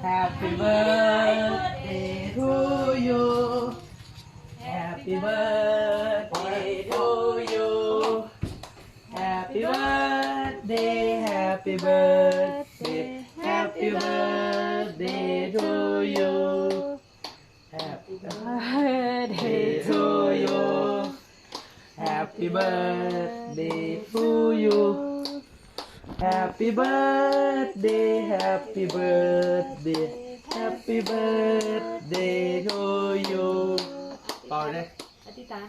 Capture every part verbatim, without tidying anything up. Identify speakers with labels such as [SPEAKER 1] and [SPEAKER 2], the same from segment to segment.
[SPEAKER 1] Happy birthday to you Happy birthday to you Happy birthday Happy birthday Happy birthday to you Happy birthday to you Happy birthday to you Happy birthday Happy birthday Happy birthday to you ต่อเลยอธิษฐาน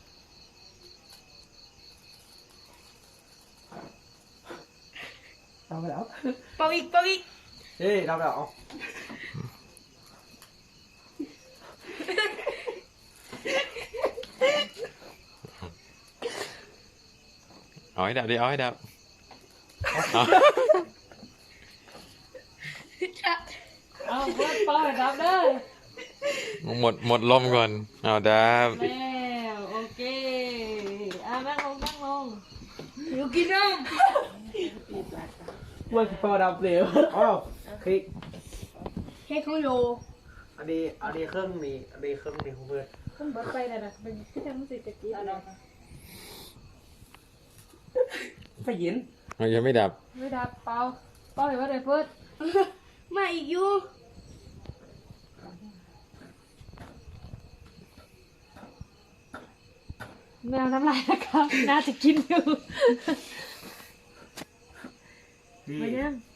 [SPEAKER 1] ทำไปแล้วเป่าอีกเป่าอีกเฮ้ยทำไปแล้ว
[SPEAKER 2] เอาให้ดับดิเอาให้ดับ
[SPEAKER 1] เอาเปิดเป่าให้ดับเด้อ
[SPEAKER 2] หมดหมดลมก่อนเอาดับ
[SPEAKER 1] แล้วโอเคอ่ะนั่งลงนั่งลงอยู่กินน้ำว่าจะเป่าดับเร็วอ้าวคลิกเค้กเขาโยอันนี้อันนี้เครื่องนี้อันนี้เครื่องนี้ของเพื่อนเครื่องบัดไปเลยนะเป็นที่ทำสิจะกินไฟยิน
[SPEAKER 2] มันยังไม่ดับ
[SPEAKER 1] ไม่ดับเป่าเป่าเห็นว่าอะไรเพื่อนมาอีกอยู่แมวน้ำลายนะครับน่าจะกินอยู่ไปยัง